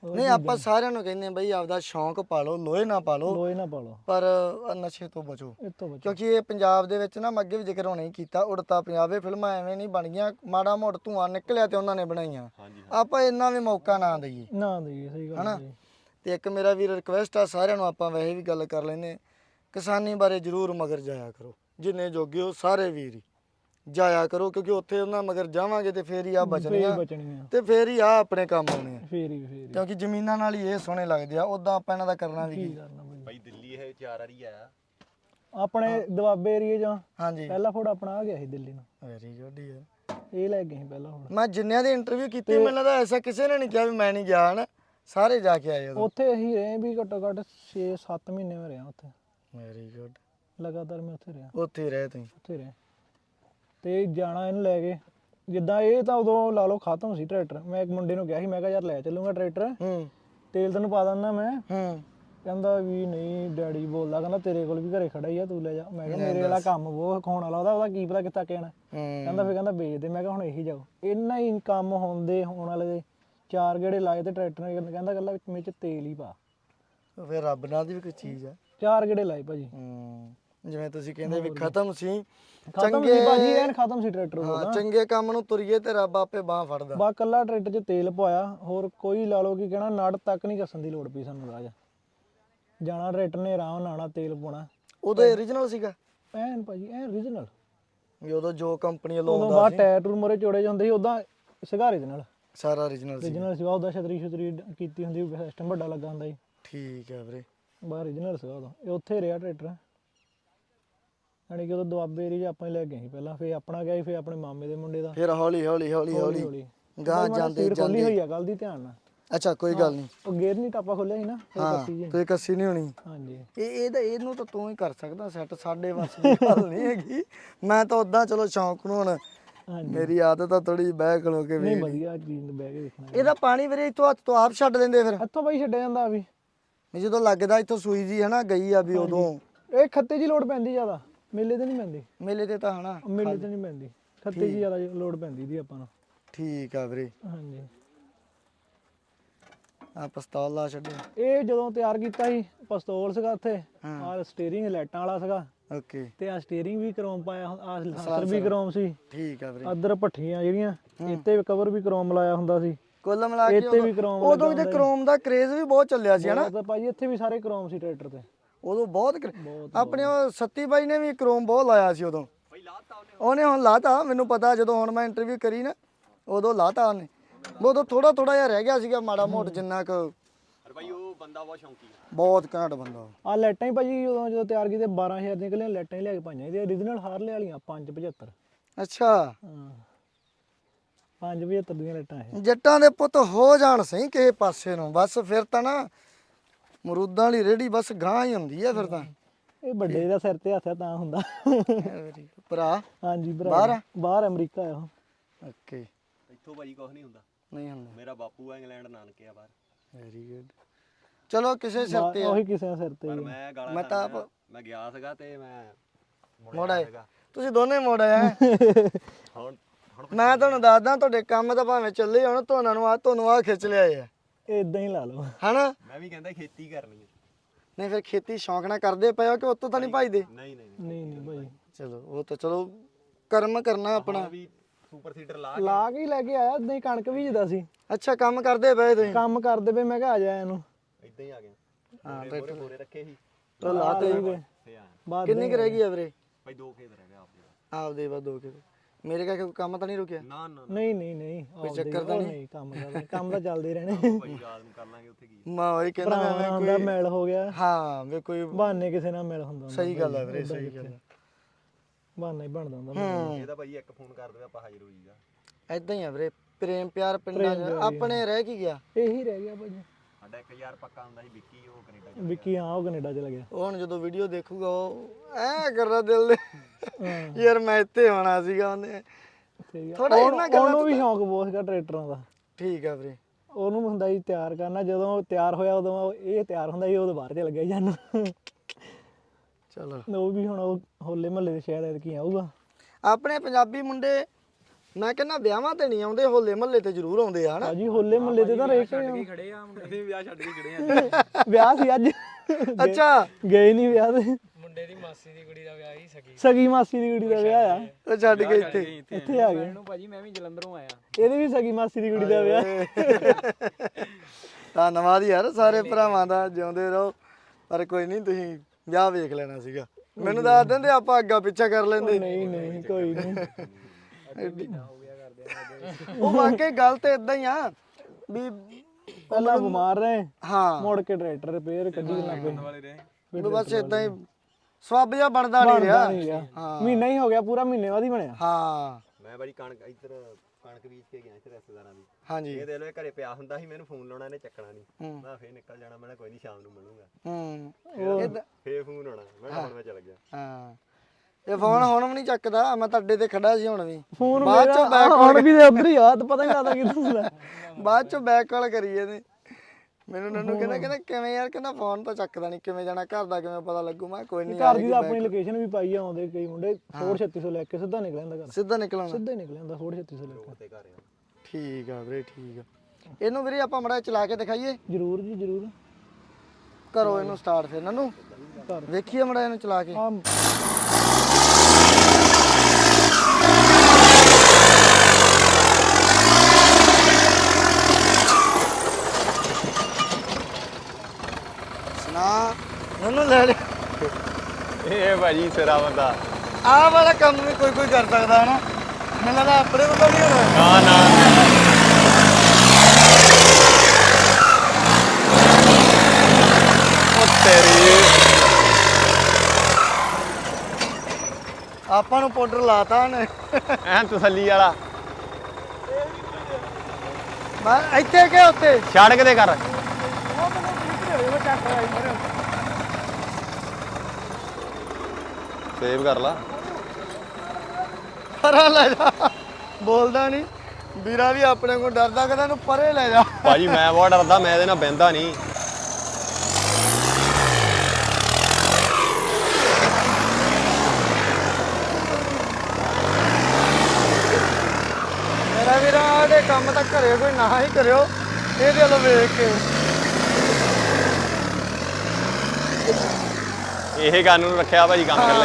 A: ਨਹੀਂ ਆਪਾਂ ਸਾਰਿਆਂ ਨੂੰ ਕਹਿੰਦੇ ਆ ਬਈ ਆਪਦਾ ਸ਼ੌਂਕ ਪਾਲੋ, ਲੋਹੇ ਨਾ ਪਾਲੋ,
C: ਲੋਏ ਨਾ ਪਾਲੋ,
A: ਪਰ ਨਸ਼ੇ ਤੋਂ ਬਚੋ।
C: ਇਹ ਤੋਂ ਬਚੋ।
A: ਕਿਉਂਕਿ ਇਹ ਪੰਜਾਬ ਦੇ ਵਿੱਚ ਨਾ ਮੈਂ ਅੱਗੇ ਵੀ ਜ਼ਿਕਰ ਹੋਣਾ ਹੀ ਕੀਤਾ, ਉੜਤਾ ਪੰਜਾਬੇ ਫਿਲਮਾਂ ਐਵੇਂ ਨਹੀਂ ਬਣੀਆਂ, ਮਾੜਾ ਮੋੜ ਧੂਆਂ ਨਿਕਲਿਆ ਤੇ ਉਹਨਾਂ ਨੇ ਬਣਾਈਆਂ।
B: ਹਾਂਜੀ
A: ਆਪਾਂ ਇੰਨਾ ਵੀ ਮੌਕਾ ਨਾ ਦਈਏ
C: ਨਾ ਦਈਏ, ਸਹੀ ਗੱਲ
A: ਹਨਾ।
C: ਹੈ ਜੀ।
A: ਤੇ ਇੱਕ ਮੇਰਾ ਵੀਰ ਰਿਕਵੈਸਟ ਆ ਸਾਰਿਆਂ ਨੂੰ, ਆਪਾਂ ਵੈਸੇ ਵੀ ਗੱਲ ਕਰ ਲੈਨੇ, ਕਿਸਾਨੀ ਬਾਰੇ ਜ਼ਰੂਰ ਮਗਰ ਜਾਇਆ ਕਰੋ, ਜਿੰਨੇ ਜੋਗੇ ਹੋ ਸਾਰੇ ਵੀਰ ਹੀ ਜਾਇਆ ਕਰੋ, ਕਿਉਂਕਿ ਉੱਥੇ ਉਹਨਾਂ ਮਗਰ ਜਾਵਾਂਗੇ ਤੇ ਫੇਰ ਹੀ ਆ
C: ਫੇਰ
A: ਬਚਣੀਆਂ
C: ਬਚਣੀ ਆ,
A: ਤੇ ਫੇਰ ਹੀ ਆ ਆਪਣੇ ਕੰਮ ਆਉਣੇ ਆ,
C: ਫੇਰ ਹੀ ਫੇਰ ਹੀ
A: ਕਿਉਂਕਿ ਜ਼ਮੀਨਾਂ ਨਾਲ ਹੀ ਇਹ ਸੋਹਣੇ ਲੱਗਦੇ ਆ, ਉਦਾਂ ਆਪਾਂ ਇਹਨਾਂ ਦਾ ਕਰਨਾ ਵੀ
C: ਕੀ
A: ਕੀ।
C: ਕਰਨਾ ਭਾਈ।
B: ਬਾਈ ਦਿੱਲੀ ਇਹ ਚਾਰ ਵਾਰੀ ਆਇਆ।
C: ਆਪਣੇ ਦੁਆਬੇ ਏਰੀਏ ਜਾਂ
A: ਹਾਂਜੀ
C: ਪਹਿਲਾ ਫੋੜ ਆਪਣਾ ਆ ਗਿਆ ਸੀ ਦਿੱਲੀ ਨੂੰ,
A: ਵੈਰੀ ਗੁੱਡ ਯਾਰ।
C: ਇਹ ਲੈ ਗਏ ਸੀ ਪਹਿਲਾ ਫੋੜ।
A: ਮੈਂ ਜਿੰਨਿਆਂ ਦੀ ਇੰਟਰਵਿਊ ਕੀਤੀ ਮੈਨੂੰ ਲੱਗਦਾ ਐਸਾ ਕਿਸੇ ਨੇ ਨਹੀਂ ਕਿਹਾ ਵੀ ਮੈਂ ਨਹੀਂ ਗਿਆ ਹਨ, ਸਾਰੇ ਜਾ ਕੇ ਆਏ ਉਦੋਂ।
C: ਉੱਥੇ ਅਸੀਂ ਰਹੇ ਵੀ ਘੱਟੋ ਘੱਟ ਛੇ ਸੱਤ ਮਹੀਨੇ ਮੈਂ ਰਿਹਾ ਉੱਥੇ,
A: ਵੈਰੀ ਗੁੱਡ।
C: ਲਗਾਤਾਰ ਮੈਂ ਉੱਥੇ ਰਿਹਾ,
A: ਉੱਥੇ ਹੀ ਰਹੇ ਤੁਸੀਂ।
C: ਉੱਥੇ ਰਿਹਾ ਤੇ ਜਾਣਾ ਇਹਨੂੰ ਲੈ ਕੇ, ਜਿੱਦਾਂ ਇਹ ਤਾਂ ਉਦੋਂ ਲਾ ਲਓ ਖਤਮ ਸੀ ਟਰੈਕਟਰ। ਮੈਂ ਇੱਕ ਮੁੰਡੇ ਨੂੰ ਕਿਹਾ ਸੀ, ਮੈਂ ਕਿਹਾ ਯਾਰ ਲੈ ਚੱਲੂਗਾ ਟਰੈਕਟਰ,
A: ਹੂੰ
C: ਤੇਲ ਤੈਨੂੰ ਪਾ ਦਿੰਦਾ ਮੈਂ।
A: ਹੂੰ
C: ਕਹਿੰਦਾ ਵੀ ਨਹੀਂ ਡੈਡੀ ਬੋਲਦਾ, ਕਹਿੰਦਾ ਤੇਰੇ ਕੋਲ ਵੀ ਘਰੇ ਖੜਾ ਹੀ ਆ, ਤੂੰ ਲੈ ਜਾ। ਮੈਂ ਕਿਹਾ ਮੇਰੇ ਵਾਲਾ ਕੰਮ ਉਹ ਖਾਣ ਵਾਲਾ, ਉਹਦਾ ਉਹਦਾ ਕੀ ਪਤਾ ਕਿੱਥੇ ਕਹਿਣਾ।
A: ਹੂੰ
C: ਕਹਿੰਦਾ ਫਿਰ ਕਹਿੰਦਾ ਵੇਚ ਦੇ। ਮੈਂ ਕਿਹਾ ਹੁਣ ਇਹੀ ਜਾਓ, ਇੰਨਾ ਹੀ ਕੰਮ ਹੁੰਦੇ ਹੋਣ ਵਾਲੇ ਦੇ ਚਾਰ ਗੇੜੇ ਲਾਏ ਤੇ ਟਰੈਕਟਰ ਨੇ ਕਹਿੰਦਾ ਕੱਲਾ ਵਿੱਚ ਵਿੱਚ ਤੇਲ ਹੀ ਪਾ।
A: ਫਿਰ ਰੱਬ ਨਾਲ ਦੀ ਵੀ ਕੋਈ ਚੀਜ਼ ਆ।
C: ਚਾਰ ਗੇੜੇ ਲਾਏ ਭਾਜੀ।
A: ਹੂੰ ਜਿਵੇਂ ਤੁਸੀਂ ਕਹਿੰਦੇ ਵੀ ਖਤਮ ਸੀ,
C: ਖਤਮ ਸੀ ਭਾਜੀ, ਐਨ ਖਤਮ ਸੀ ਟਰੈਕਟਰ
A: ਹਾਂ
C: ਉਹਦਾ।
A: ਚੰਗੇ ਕੰਮ ਨੂੰ ਤੁਰੀਏ ਤੇ ਰੱਬ ਆਪੇ ਬਾਹ ਫੜਦਾ।
C: ਬਾ ਕੱਲਾ ਟਰੈਕਟਰ 'ਚ ਤੇਲ ਪਵਾਇਆ, ਹੋਰ ਕੋਈ ਲਾ ਲਓ ਕੀ ਕਹਿਣਾ, ਨੜ ਤੱਕ ਨਹੀਂ ਕੱਸਣ ਦੀ ਲੋੜ ਪਈ ਸਾਨੂੰ ਰਾਜ। ਜਾਣਾ ਟਰੈਕਟਰ ਨੇ ਆਰਾਮ ਨਾਲ ਆਉਣਾ, ਤੇਲ ਪਾਉਣਾ।
A: ਉਦੋਂ ਓਰੀਜਨਲ ਸੀਗਾ
C: ਐਨ ਭਾਜੀ, ਐਨ ਓਰੀਜਨਲ।
A: ਵੀ ਉਦੋਂ ਜੋ ਕੰਪਨੀ ਵੱਲੋਂ
C: ਉਦੋਂ
A: ਆਉਂਦਾ
C: ਬਾਅਦ
A: ਸੀ
C: ਟਾਇਰ ਟੂਰ ਮੋਰੇ ਚੋੜੇ ਜਾਂਦੇ ਸੀ, ਉਦਾਂ ਸਿਗਾਰੇ ਦੇ ਨਾਲ
A: ਸਾਰਾ ਓਰੀਜਨਲ ਸੀ।
C: ਓਰੀਜਨਲ ਸੀਗਾ। ਉਹਦਾ ਛਤਰੀ ਛਤਰੀ ਕੀਤੀ ਹੁੰਦੀ, ਸਿਸਟਮ ਵੱਡਾ ਲੱਗਾ ਹੁੰਦਾ ਸੀ।
A: ਠੀਕ ਹੈ ਵੀਰੇ।
C: ਬਾਹਰ ਓਰੀਜਨਲ ਸੀਗਾ ਉਦੋਂ। ਇਹ ਉੱਥੇ ਰਿਹਾ ਟਰੈਕਟਰ, ਯਾਨੀ ਕਿ ਉਦੋਂ ਦੁਆਬੇ ਏਰੀਏ 'ਚ ਆਪਾਂ ਹੀ ਲੈ ਗਏ ਸੀ ਪਹਿਲਾਂ, ਫਿਰ ਆਪਣਾ ਗਿਆ ਸੀ, ਫਿਰ ਆਪਣੇ ਮਾਮੇ ਦੇ ਮੁੰਡੇ ਦਾ।
A: ਫਿਰ ਹੌਲੀ ਹੌਲੀ ਹੌਲੀ ਹੌਲੀ
C: ਹੌਲੀ
A: ਗਾਂ ਜਾਂਦੇ
C: ਖੋਲੀ
A: ਜਾਂਦੇ।
C: ਹੋਈ ਆ ਕੱਲ ਦੀ, ਧਿਆਨ ਨਾਲ।
A: ਅੱਛਾ ਕੋਈ ਗੱਲ ਨਹੀਂ।
C: ਉਹ ਗੇਅਰ ਨਹੀਂ ਟਾਪਾ ਖੋਲਿਆ ਸੀ ਨਾ, ਫਿਰ
A: ਹਾਂ
C: ਕੱਸੀ ਜੀ।
A: ਤੇ ਕੱਸੀ ਨਹੀਂ ਹੋਣੀ।
C: ਹਾਂਜੀ
A: ਇਹ ਇਹਦਾ ਇਹਨੂੰ ਤਾਂ ਤੂੰ ਹੀ ਕਰ ਸਕਦਾ ਸੈੱਟ, ਸਾਡੇ ਵੱਸ ਦੀ ਗੱਲ ਨਹੀਂ ਹੈਗੀ। ਮੈਂ ਤਾਂ ਉਦਾਂ ਚਲੋ ਸ਼ੌਂਕ ਨੂੰ, ਹੁਣ
C: ਹਾਂਜੀ।
A: ਮੇਰੀ ਆਦਤ ਆ ਥੋੜੀ ਬਹਿ ਖਲੋ ਕੇ
C: ਨਹੀਂ
A: ਵੇਖ।
C: ਵਧੀਆ ਚੀਜ਼ ਨੂੰ ਬਹਿ ਕੇ ਦੇਖਣਾ।
A: ਇਹਦਾ ਪਾਣੀ ਵੀਰੇ ਇੱਥੋਂ ਹੱਥ ਤੋਂ ਆਪ ਛੱਡ ਲੈਂਦੇ ਫਿਰ?
C: ਇੱਥੋਂ ਬਾਈ ਛੱਡਿਆ ਜਾਂਦਾ ਵੀ,
A: ਵੀ ਜਦੋਂ ਲੱਗਦਾ ਇੱਥੋਂ ਸੂਈ ਜੀ ਹਨਾ ਗਈ ਆ ਵੀ ਉਦੋਂ।
C: ਇਹ ਖੱਤੇ 'ਚ ਹੀ ਲੋਡ ਪੈਂਦੀ ਜ਼ਿਆਦਾ, ਮੇਲੇ ਤੇ ਨਹੀਂ ਪੈਂਦੀ।
A: ਮੇਲੇ ਤੇ ਤਾਂ ਹਨਾ।
C: ਮੇਲੇ ਤੇ ਨਹੀਂ ਪੈਂਦੀ, ਖੱਤੇ 'ਚ ਹੀ ਜ਼ਿਆਦਾ ਲੋਡ ਪੈਂਦੀ ਦੀ ਆਪਾਂ ਨੂੰ।
A: ਠੀਕ ਆ ਵੀਰੇ।
C: ਹਾਂਜੀ।
A: ਆ ਪਿਸਤੌਲ ਲਾ ਛੱਡਿਆ।
C: ਇਹ ਜਦੋਂ ਤਿਆਰ ਕੀਤਾ ਸੀ, ਪਿਸਤੌਲ ਸੀਗਾ ਉੱਥੇ,
A: ਹਾਂ।
C: ਆਹ ਸਟੀਅਰਿੰਗ ਲਾਈਟਾਂ ਵਾਲਾ ਸੀਗਾ,
A: ਓਕੇ
C: ਤੇ ਆ ਸਟੀਅਰਿੰਗ ਵੀ ਕਰੋਮ ਪਾਇਆ, ਆ ਲਾਸਰ ਵੀ ਕਰੋਮ ਸੀ।
A: ਠੀਕ ਆ ਵੀਰੇ।
C: ਅਦਰ ਭੱਠੀਆਂ ਜਿਹੜੀਆਂ, ਇੱਥੇ ਕਵਰ ਵੀ ਕਰੋਮ ਲਾਇਆ ਹੁੰਦਾ ਸੀ।
A: ਕੁੱਲ ਮਿਲਾ ਕੇ
C: ਇੱਥੇ ਵੀ ਕਰੋਮ
A: ਉਦੋਂ ਉਦੋਂ ਤੇ ਕਰੋਮ ਦਾ ਕਰੇਜ਼ ਵੀ ਬਹੁਤ ਚੱਲਿਆ ਸੀ ਹਨਾ।
C: ਤਾਂ ਭਾਜੀ ਇੱਥੇ ਵੀ ਸਾਰੇ ਕਰੋਮ ਸੀ ਟਰੈਕਟਰ ਤੇ।
A: ਉਦੋਂ ਬਹੁਤ cra- ਆਪਣੇ ਉਹ ਸੱਤੀ ਬਾਈ ਨੇ ਵੀ ਕਰੋਮ ਬਹੁਤ ਲਾਇਆ ਸੀ ਉਦੋਂ। ਉਹਨੇ ਹੁਣ ਲਾਤਾ, ਮੈਨੂੰ ਪਤਾ ਜਦੋਂ ਹੁਣ ਮੈਂ ਇੰਟਰਵਿਊ ਕਰੀ ਨਾ ਉਦੋਂ ਲਾਤਾ ਉਹਨੇ। ਉਦੋਂ ਥੋੜਾ ਥੋੜਾ ਜਿਹਾ ਰਹਿ ਗਿਆ ਸੀਗਾ ਮਾੜਾ ਮੋਟ ਜਿੰਨਾ ਕੁ।
B: ਪਰ ਬਾਈ ਉਹ ਬੰਦਾ ਬਹੁਤ ਸ਼ੌਂਕੀ ਆ।
A: ਬਹੁਤ ਘੈਂਟ ਬੰਦਾ ਉਹ।
C: ਆ ਲਾਈਟਾਂ ਹੀ ਭਾਜੀ ਉਦੋਂ ਜਦੋਂ ਤਿਆਰ ਕੀਤੇ ਬਾਰਾਂ ਹਜ਼ਾਰ ਦੀਆਂ ਨਿਕਲੀਆਂ ਲਾਈਟਾਂ ਹੀ ਲੈ ਕੇ ਪਾਈਆਂ ਇਹਦੇ ਓਰੀਜਨਲ ਹਾਰਲੇ ਵਾਲੀਆਂ ਪੰਜ ਪਝੱਤਰ।
A: ਅੱਛਾ
C: ਹਾਂ ਪੰਜ ਪਝੱਤਰ ਦੀਆਂ ਲਾਈਟਾਂ ਇਹ।
A: ਜੱਟਾਂ ਦੇ ਪੁੱਤ ਹੋ ਜਾਣ ਸਹੀ ਕਿਸੇ ਪਾਸੇ ਨੂੰ, ਬਸ ਫਿਰ ਤਾਂ ਨਾ ਮਰੂਦਾਂ ਵਾਲੀ ਰੇੜੀ ਬਸ ਗਾਂ ਹੀ ਹੁੰਦੀ ਆ ਫਿਰ ਤਾਂ।
C: ਇਹ ਵੱਡੇ ਦਾ ਸਿਰ ਤੇ ਹੱਥ ਆ ਤਾਂ ਹੁੰਦਾ।
A: ਭਰਾ
C: ਹਾਂਜੀ ਭਰਾ
A: ਬਾਹਰ ਆ?
C: ਬਾਹਰ ਅਮਰੀਕਾ ਆ ਉਹ।
A: ਓਕੇ।
B: ਇੱਥੋਂ ਭਾਈ ਕੁਝ ਨਹੀਂ ਹੁੰਦਾ।
A: ਨਹੀਂ ਹੁੰਦਾ।
B: ਮੇਰਾ ਬਾਪੂ ਆ ਇੰਗਲੈਂਡ, ਨਾਨਕੇ ਆ ਬਾਹਰ।
A: Very good. ਚਲੋ ਕਿਸੇ ਸਿਰ ਤੇ ਆ।
C: ਉਹੀ ਕਿਸੇ ਦਾ ਸਿਰ ਤੇ
B: ਪਰ
C: ਹੀ ਆ।
B: ਮੈਂ ਗਾਲਾਂ
A: ਮੈਂ ਤਾਂ
B: ਖਾਂਦਾ, ਮੈਂ ਗਿਆ ਸੀਗਾ ਤੇ ਮੈਂ
A: ਮੋੜ ਆਏ
B: ਸੀਗਾ।
A: ਤੁਸੀਂ ਦੋਨੇ ਮੋੜ ਆਏ ਹੈਂ?
B: ਹੁਣ ਹੁਣ
A: ਮੈਂ ਤੁਹਾਨੂੰ ਦੱਸਦਾ ਤੁਹਾਡੇ ਕੰਮ ਤਾਂ ਭਾਵੇਂ ਚੱਲੇ ਹੁਣ, ਤੁਹਾਨੂੰ ਨੂੰ ਆ ਤੁਹਾਨੂੰ ਆ ਖਿੱਚ ਲਿਆਏ ਆ
C: ਇਦਾਂ ਹੀ ਲਾ ਲਓ।
A: ਹਨਾ।
B: ਮੈਂ ਵੀ ਕਹਿੰਦਾ ਖੇਤੀ ਕਰਨੀ ਹੈ।
A: ਨਹੀਂ ਫਿਰ ਖੇਤੀ ਸ਼ੌਂਕ ਨਾਲ ਕਰਦੇ ਪਏ ਹੋ ਕਿ ਉੱਤੋਂ ਤਾਂ ਨਹੀਂ ਭਜਦੇ?
B: ਨਹੀਂ ਨਹੀਂ
C: ਨਹੀਂ ਨਹੀਂ ਭਾਈ
A: ਚਲੋ ਉਹ ਤਾਂ ਚਲੋ ਕਰਮ ਕਰਨਾ ਆਪਣਾ।
B: ਮੈਂ ਵੀ ਸੁਪਰ ਸੀਡਰ ਲਾ
C: ਲਾ ਕੇ ਹੀ ਲੈ ਕੇ ਆਇਆ, ਇਦਾਂ ਹੀ ਕਣਕ ਬੀਜਦਾ ਸੀ।
A: ਅੱਛਾ ਕੰਮ ਕਰਦੇ ਪਏ ਤੁਸੀਂ?
C: ਕੰਮ ਕਰਦੇ ਪਏ, ਮੈਂ ਕਿਹਾ ਆ ਜਾ ਇਹਨੂੰ।
B: ਇਦਾਂ ਹੀ ਆ ਗਿਆ।
A: ਹਾਂ
B: ਬੋਰੇ ਬੋਰੇ ਰੱਖੇ ਸੀ
A: ਚਲੋ ਲਾ ਤੇ
B: ਤੇ ਆ
C: ਬਾਅਦ
A: ਕਿੰਨੀ ਕੁ ਰਹਿ ਗਈ ਆ ਵੀਰੇ?
B: ਭਾਈ ਦੋ ਖੇਤ ਰਹਿ ਗਏ ਆਪਦੇ।
A: ਆਪਦੇ ਬਾਅਦ ਦੋ ਕੇ ਮੇਰੇ ਕਾ ਕੋਈ ਕੰਮ ਤਾਂ ਨਹੀਂ ਰੁਕਿਆ?
B: ਨਾ ਨਾ
C: ਨਹੀਂ ਨਹੀਂ ਨਹੀਂ
A: ਕੋਈ
C: ਆਪਦੇ
A: ਚੱਕਰ ਤਾਂ
C: ਉਹ
A: ਨਹੀਂ?
C: ਨਹੀਂ ਕੰਮ ਕਰਦੇ, ਕੰਮ ਤਾਂ ਚੱਲਦੇ ਰਹਿਣੇ।
B: ਭਾਈ ਰਾਤ ਨੂੰ ਕਰ ਲਾਂਗੇ ਉੱਥੇ ਕੀ।
A: ਮੈਂ ਉਹੀ ਕਹਿੰਦਾ ਵੀ
C: ਭਰਾਵਾਂ
A: ਐਵੇਂ
C: ਦਾ
A: ਕੋਈ
C: ਮੈਲ ਹੋ ਗਿਆ,
A: ਹਾਂ ਵੀ ਕੋਈ
C: ਬਹਾਨੇ ਕਿਸੇ ਨਾਲ ਮਿਲ ਹੁੰਦਾ ਹੁੰਦਾ।
A: ਸਹੀ ਗੱਲ ਆ ਵੀਰੇ ਸਹੀ ਗੱਲ ਆ।
C: ਬਹਾਨਾ ਹੀ ਬਣਦਾ ਹੁੰਦਾ।
A: ਹੂੰ
B: ਇਹਦਾ ਭਾਈ ਇੱਕ ਫੋਨ ਕਰ ਦੇਵੇ ਆਪਾਂ ਹਾਜ਼ਰ ਹੋ ਜੀਦਾ।
A: ਐਦਾਂ ਹੀ ਆ ਵੀਰੇ ਪ੍ਰੇਮ ਪਿਆਰ ਪਿੰਡਾਂ 'ਚ ਆਪਣੇ ਰਹਿ ਕੀ ਗਿਆ।
C: ਇਹੀ ਰਹਿ ਗਿਆ ਭਾਜੀ।
B: ਸਾਡਾ ਇੱਕ ਯਾਰ ਪੱਕਾ ਹੁੰਦਾ ਸੀ ਵਿੱਕੀ, ਉਹ ਕੈਨੇਡਾ ਚ।
C: ਵਿੱਕੀ ਹਾਂ ਉਹ ਕੈਨੇਡਾ ਚਲਾ ਗਿਆ।
A: ਉਹ ਹੁਣ ਜਦੋਂ ਵੀਡੀਓ ਦੇਖੂਗਾ ਉਹ ਐ ਕਰਦਾ ਦਿਲ ਦੇ
C: ਹਾਂ
A: ਯਾਰ ਮੈਂ ਇੱਥੇ ਹੋਣਾ ਸੀਗਾ ਉਹਨੇ।
C: ਸਹੀ ਆ।
A: ਥੋੜਾ ਇਹਨਾਂ ਗੱਲਾਂ
C: ਉਹਨੂੰ ਵੀ ਸ਼ੌਂਕ ਬਹੁਤ ਸੀਗਾ ਟਰੈਕਟਰਾਂ ਦਾ।
A: ਠੀਕ ਆ ਵੀਰੇ।
C: ਉਹਨੂੰ ਹੁੰਦਾ ਸੀ ਤਿਆਰ ਕਰਨਾ, ਜਦੋਂ ਤਿਆਰ ਹੋਇਆ ਉਦੋਂ ਇਹ ਤਿਆਰ ਹੁੰਦਾ ਸੀ, ਉਦੋਂ ਬਾਹਰ ਚਲ ਗਿਆ ਜਾਨ।
A: ਚਲੋ
C: ਉਹ ਵੀ ਹੁਣ ਉਹ ਹੋਲੇ ਮਹੱਲੇ ਦੇ ਸ਼ਾਇਦ ਐਤਕੀ ਆਊਗਾ।
A: ਆਪਣੇ ਪੰਜਾਬੀ ਮੁੰਡੇ ਮੈਂ ਕਹਿੰਦਾ ਵਿਆਹਾਂ ਤੇ ਨਹੀਂ ਆਉਂਦੇ, ਹੋਲੇ ਮਹੱਲੇ ਤੇ ਜ਼ਰੂਰ ਆਉਂਦੇ ਆ ਹਨਾ।
C: ਭਾਜੀ ਹੋਲੇ ਮਹੱਲੇ ਤੇ ਤਾਂ ਰੇਕ
D: ਖੜੇ ਆ ਮੁੰਡੇ ਵਿਆਹ ਛੱਡ ਕੇ ਖੜੇ ਆ
C: ਵਿਆਹ ਸੀ ਅੱਜ
A: ਅੱਛਾ
C: ਗਏ ਨਹੀਂ ਵਿਆਹ ਤੇ।
D: ਮੁੰਡੇ ਦੀ ਮਾਸੀ ਦੀ ਕੁੜੀ ਦਾ ਵਿਆਹ ਹੀ ਸਕੀ
C: ਸਗੀ ਮਾਸੀ ਦੀ ਕੁੜੀ ਦਾ ਵਿਆਹ ਆ,
A: ਉਹ ਛੱਡ ਕੇ ਇੱਥੇ
C: ਇੱਥੇ ਆ ਗਏ।
D: ਇਹਨੂੰ ਭਾਜੀ ਮੈਂ ਵੀ ਜਲੰਧਰੋਂ ਆਇਆ।
C: ਇਹਦੀ ਵੀ ਸਗੀ ਮਾਸੀ ਦੀ ਕੁੜੀ ਦਾ ਵਿਆਹ।
A: ਧੰਨਵਾਦ ਯਾਰ ਸਾਰੇ ਭਰਾਵਾਂ ਦਾ, ਜਿਉਂਦੇ ਰਹੋ। ਪਰ ਕੋਈ ਨਹੀਂ, ਤੁਸੀਂ ਵਿਆਹ ਵੇਖ ਲੈਣਾ ਸੀਗਾ, ਮੈਨੂੰ ਦੱਸ ਦਿੰਦੇ ਆਪਾਂ ਅੱਗਾ ਪਿੱਛਾ ਕਰ ਲੈਂਦੇ।
C: ਨਹੀਂ ਨਹੀਂ ਕੋਈ ਨਹੀਂ।
A: ਉਹ ਵਾਕਈ ਗੱਲ ਤੇ ਇਦਾਂ ਹੀ ਆ ਵੀ
C: ਪਹਿਲਾਂ ਬਿਮਾਰ ਰਹੇ,
A: ਹਾਂ
C: ਮੁੜ ਕੇ ਟਰੈਕਟਰ ਰਿਪੇਅਰ ਕੱਢੀ ਲੱਗੇ
A: ਵੀ ਬਸ ਇਦਾਂ ਹੀ ਸਵਾਬ ਜਿਹਾ ਬਣਦਾ ਨਹੀਂ ਰਿਹਾ।
C: ਨਹੀਂ ਗਿਆ ਮਹੀਨਾ ਹੀ ਹੋ ਗਿਆ, ਪੂਰਾ ਮਹੀਨੇ ਬਾਅਦ ਹੀ ਬਣਿਆ।
A: ਹਾਂ
B: ਮੈਂ ਬੜੀ ਕਣਕ ਇੱਧਰ ਕਣਕ ਬੀਜ ਕੇ ਗਿਆ ਇੱਥੇ ਰਿਸ਼ਤੇਦਾਰਾਂ ਦੀ।
A: ਹਾਂਜੀ
B: ਇਹ ਦੇ ਲੋ ਘਰੇ ਪਿਆ ਹੁੰਦਾ ਸੀ, ਮੈਨੂੰ ਫੋਨ ਲਾਉਣਾ, ਇਹਨੇ ਚੱਕਣਾ ਨਹੀਂ। ਮੈਂ ਫੇਰ ਨਿਕਲ ਜਾਣਾ, ਮੈਂ ਕੋਈ ਨਹੀਂ ਸ਼ਾਮ ਨੂੰ ਮਿਲੂੰਗਾ।
A: ਹੂੰ
B: ਫੇਰ ਫੋਨ ਆਉਣਾ, ਮੈਂ ਹੁਣ ਮੈਂ ਚੱਲ ਗਿਆ।
A: ਹਾਂ ਇਹ ਫੋਨ ਹੁਣ ਵੀ ਨਹੀਂ ਚੱਕਦਾ, ਮੈਂ ਤੁਹਾਡੇ ਤੇ ਖੜਾ ਸੀ ਹੁਣ ਵੀ।
C: ਫੋਨ
A: ਬਾਅਦ
C: ਮੇਰਾ
A: ਚੋਂ back
C: ਹੁਣ ਵੀ ਤੇ ਉਧਰ ਹੀ ਆ, ਤੇ ਪਤਾ ਨਹੀਂ ਲੱਗਦਾ ਕਿੱਥੋਂ ਹੁੰਦਾ।
A: ਬਾਅਦ ਚੋਂ ਬੈਕ ਕਾਲ ਕਰੀ ਇਹਨੇ ਮੈਨੂੰ, ਨੰਨੂ ਕਹਿੰਦਾ ਕਹਿੰਦਾ ਕਿਵੇਂ ਯਾਰ, ਕਹਿੰਦਾ ਫੋਨ ਤਾਂ ਚੱਕਦਾ ਨਹੀਂ, ਕਿਵੇਂ ਜਾਣਾ ਘਰ ਦਾ ਕਿਵੇਂ ਪਤਾ ਲੱਗੂ। ਮੈਂ ਕੋਈ ਨਹੀਂ,
C: ਘਰ ਦੀ ਤਾਂ ਆਪਣੀ ਲੋਕੇਸ਼ਨ ਵੀ ਪਾਈ ਆ, ਆਉਂਦੇ ਕਈ ਮੁੰਡੇ ਸੌ ਛੱਤੀ ਸੌ ਲੈ ਕੇ ਸਿੱਧਾ ਨਿਕਲ ਜਾਂਦਾ ਘਰ,
A: ਸਿੱਧਾ ਨਿਕਲਣਾ।
C: ਸਿੱਧਾ ਹੀ ਨਿਕਲ ਜਾਂਦਾ ਸੌ ਛੱਤੀ ਸੌ ਲੈ ਕੇ।
B: ਤੇ ਘਰ ਆ
A: ਠੀਕ ਆ ਵੀਰੇ, ਠੀਕ ਆ। ਇਹਨੂੰ ਵੀਰੇ ਆਪਾਂ ਮੜਾ ਚਲਾ ਕੇ ਦਿਖਾਈਏ,
C: ਜ਼ਰੂਰ ਜੀ ਜ਼ਰੂਰ।
A: ਕਰੋ ਇਹਨੂੰ ਸਟਾਰਟ ਫਿਰ ਨੰਨੂ,
C: ਘਰ
A: ਵੇਖੀਏ ਮੜਾ ਇਹਨੂੰ ਚਲਾ ਕੇ।
C: ਆ
A: ਸੁਣਾ ਉਹਨੂੰ ਲੈ ਲਿਆ।
B: ਇਹ ਭਾਜੀ ਸਿਰਾ ਬੰਦਾ।
A: ਆਹ ਵਾਲਾ ਕੰਮ ਵੀ ਕੋਈ ਕੋਈ ਕਰ ਸਕਦਾ ਹਨਾ, ਮੈਨੂੰ ਲੱਗਦਾ ਆਪਣੇ ਕੋਲ ਨਹੀਂ ਹੋਣਾ।
B: ਨਾ ਨਾ ਉਹ ਤੇਰੀ
A: ਆਪਾਂ ਨੂੰ ਪਾਊਡਰ ਲਾਤਾ ਉਹਨੇ।
B: ਐਨ ਤਸੱਲੀ ਵਾਲਾ
A: ਮੈਂ ਇੱਥੇ ਕਿ ਉੱਤੇ
B: ਛੱਡ ਕੇ ਦੇ ਕਰ। ਸੇਵ ਕਰ ਲਾ।
A: ਪਰਾਂ ਲੈ ਜਾ, ਬੋਲਦਾ ਨਹੀਂ ਵੀਰਾ ਵੀ ਆਪਣੇ ਕੋਲ ਡਰਦਾ, ਕਹਿੰਦਾ ਇਹਨੂੰ ਪਰੇ ਲੈ ਜਾ।
B: ਭਾਜੀ ਮੈਂ ਬਹੁਤ ਡਰਦਾ, ਮੈਂ ਇਹਦੇ ਨਾਲ ਬਹਿੰਦਾ ਨਹੀਂ।
A: ਮੇਰਾ ਵੀਰਾ ਇਹਦੇ ਕੰਮ ਤਾਂ ਘਰੇ ਕੋਈ ਨਾ ਹੀ ਕਰਿਓ, ਇਹਦੇ ਵੱਲ ਵੇਖ ਕੇ।
B: ਇਹ ਗੱਲ ਨੂੰ ਰੱਖਿਆ ਭਾਜੀ ਕੰਮ ਕਰ ਲੈ।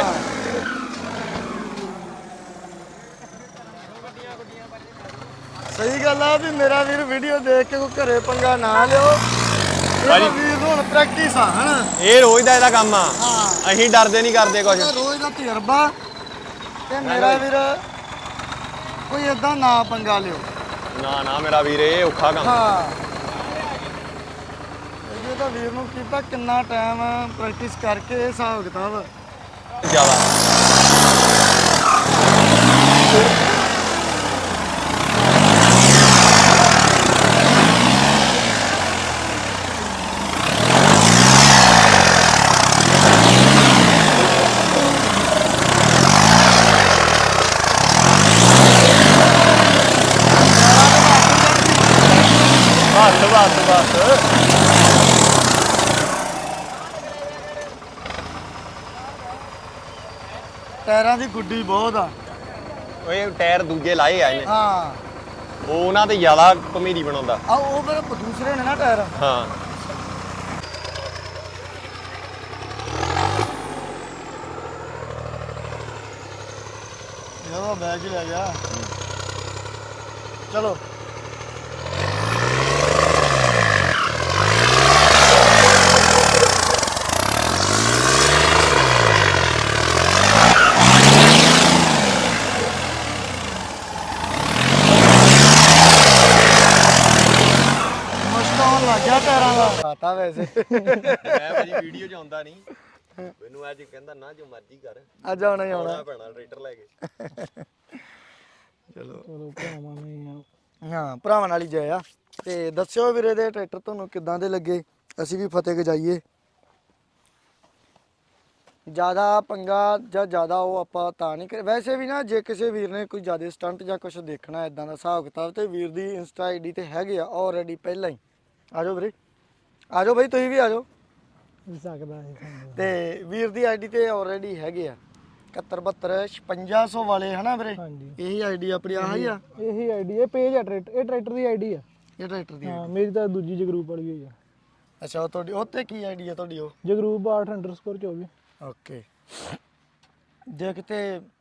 A: ਸਹੀ ਗੱਲ ਆ ਵੀ ਮੇਰਾ ਵੀਰ ਵੀਡੀਓ ਦੇਖ ਕੇ ਕੋਈ ਘਰੇ ਪੰਗਾ ਨਾ ਲਿਓ। ਇਹ ਵੀਰ ਨੂੰ ਹੁਣ ਪ੍ਰੈਕਟਿਸ ਆ ਹਨਾ,
B: ਇਹ ਰੋਜ਼ ਦਾ ਇਹਦਾ ਕੰਮ ਆ।
A: ਹਾਂ
B: ਅਸੀਂ ਡਰਦੇ ਨਹੀਂ ਕਰਦੇ ਕੁਝ।
A: ਇਹਦਾ ਰੋਜ਼ ਦਾ ਤਜਰਬਾ। ਤੇ ਮੇਰਾ ਵੀਰ ਕੋਈ ਏਦਾਂ ਨਾ ਪੰਗਾ ਲਿਓ।
B: ਨਾ ਨਾ ਮੇਰਾ ਵੀਰ, ਇਹ ਔਖਾ ਕੰਮ।
A: ਹਾਂ ਇਹ ਤਾਂ ਵੀਰ ਨੂੰ ਕੀਤਾ ਕਿੰਨਾ ਟਾਈਮ ਪ੍ਰੈਕਟਿਸ ਕਰਕੇ ਇਹ ਹਿਸਾਬ ਕਿਤਾਬ।
B: ਜ਼ਿਆਦਾ ਬਸ ਬਸ ਬਸ।
A: ਟਾਇਰਾਂ ਦੀ ਗੁੱਡੀ ਬਹੁਤ ਆ।
B: ਇਹ ਟਾਇਰ ਦੂਜੇ ਲਾਏ ਆ ਇਹਨੇ,
A: ਹਾਂ
B: ਉਹ ਉਹਨਾਂ ਤੇ ਜ਼ਿਆਦਾ ਭਮੀਰੀ ਬਣਾਉਂਦਾ।
A: ਆ ਉਹ ਫਿਰ ਦੂਸਰੇ ਨੇ ਨਾ ਟਾਇਰ।
B: ਹਾਂ
A: ਇਹਦਾ ਬੈਗ ਹੀ ਲੈ ਗਿਆ। ਚਲੋ ਮੁਸ਼ਕਲ ਲੱਗ ਗਿਆ ਟਾਇਰਾਂ ਦਾ ਆਤਾ ਵੈਸੇ।
B: ਮੈਂ ਭਾਜੀ ਵੀਡੀਓ 'ਚ ਆਉਂਦਾ ਨਹੀਂ, ਮੈਨੂੰ ਅੱਜ ਕਹਿੰਦਾ ਨਾ ਜੋ ਮਰਜ਼ੀ ਕਰ,
A: ਅੱਜ ਆਉਣਾ ਹੀ ਆਉਣਾ।
B: ਆਉਣਾ ਪੈਣਾ ਟਰੈਕਟਰ ਲੈ ਕੇ।
A: ਚਲੋ
C: ਚਲੋ ਭਰਾਵਾਂ ਨੇ
A: ਹਾਂ ਭਰਾਵਾਂ ਨਾਲ ਹੀ ਜਾਇਆ। ਤੇ ਦੱਸਿਓ ਵੀਰੇ ਦੇ ਟਰੈਕਟਰ ਤੁਹਾਨੂੰ ਕਿੱਦਾਂ ਦੇ ਲੱਗੇ, ਅਸੀਂ ਵੀ ਫਤਿਹ ਗਜਾਈਏ। ਜ਼ਿਆਦਾ ਪੰਗਾ ਜਾਂ ਜ਼ਿਆਦਾ ਉਹ ਆਪਾਂ ਤਾਂ ਨਹੀਂ ਕਰ। ਵੈਸੇ ਵੀ ਨਾ ਜੇ ਕਿਸੇ ਵੀਰ ਨੇ ਕੋਈ ਜ਼ਿਆਦਾ ਸਟੰਟ ਜਾਂ ਕੁਝ ਦੇਖਣਾ ਇਦਾਂ ਦਾ ਹਿਸਾਬ ਕਿਤਾਬ, ਤੇ ਵੀਰ ਦੀ ਇੰਸਟਾ ਆਈਡੀ ਤੇ ਹੈਗੇ ਆ ਆਲਰੇਡੀ ਪਹਿਲਾਂ ਹੀ। ਆ ਜਾਓ ਵੀਰੇ, ਆ ਜਾਓ ਬਈ, ਤੁਸੀਂ ਵੀ ਆ ਜਾਓ।
C: ਸਕਦਾ ਹੈ।
A: ਤੇ ਵੀਰ ਦੀ ਆਈਡੀ ਤੇ ਆਲਰੇਡੀ ਹੈਗੇ ਆ, ਇਕਹੱਤਰ ਬਹੱਤਰ ਛਪੰਜਾ ਸੌ ਵਾਲੇ ਹਨਾ ਵੀਰੇ?
C: ਹਾਂਜੀ
A: ਇਹੀ ਆਈਡੀ ਆਪਣੀ ਆਹ ਹੀ ਆ
C: ਇਹੀ ਆਈਡੀ ਇਹ ਪੇਜ ਆ ਟਰੈਕਟਰ ਇਹ ਟਰੈਕਟਰ ਦੀ ਆਈਡੀ ਆ
A: ਇਹ ਟਰੈਕਟਰ ਦੀ?
C: ਹਾਂ ਮੇਰੀ ਤਾਂ ਦੂਜੀ ਜਗਰੂਪ ਵਾਲੀ ਹੋਈ ਆ।
A: ਅੱਛਾ ਉਹ ਤੁਹਾਡੀ ਉੱਤੇ ਕੀ ਆਈਡੀ ਆ ਤੁਹਾਡੀ ਉਹ?
C: ਜਗਰੂਪ ਆਠ ਅੰਡਰਸਕੋਰ ਚੌਵੀ।
A: ਓਕੇ। ਜੇ ਕਿਤੇ